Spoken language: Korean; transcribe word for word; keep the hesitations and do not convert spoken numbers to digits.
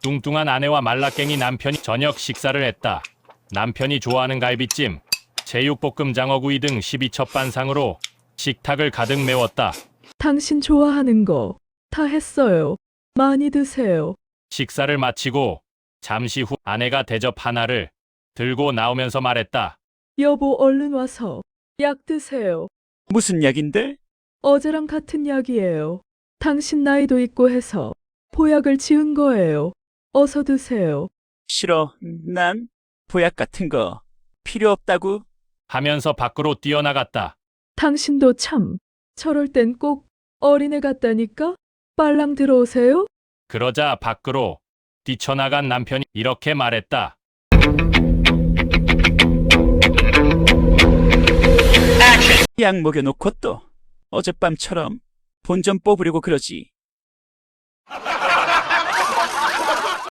뚱뚱한 아내와 말라깽이 남편이 저녁 식사를 했다. 남편이 좋아하는 갈비찜, 제육볶음 장어구이 등 십이 첩 반상으로 식탁을 가득 메웠다. 당신 좋아하는 거 다 했어요. 많이 드세요. 식사를 마치고 잠시 후 아내가 대접 하나를 들고 나오면서 말했다. 여보, 얼른 와서 약 드세요. 무슨 약인데? 어제랑 같은 약이에요. 당신 나이도 있고 해서 보약을 지은 거예요. 어서 드세요. 싫어. 난 보약 같은 거 필요 없다고. 하면서 밖으로 뛰어나갔다. 당신도 참, 저럴 땐 꼭 어린애 같다니까? 빨랑 들어오세요. 그러자 밖으로 뛰쳐나간 남편이 이렇게 말했다. 약 먹여놓고 또 어젯밤처럼 본 좀 뽑으려고 그러지.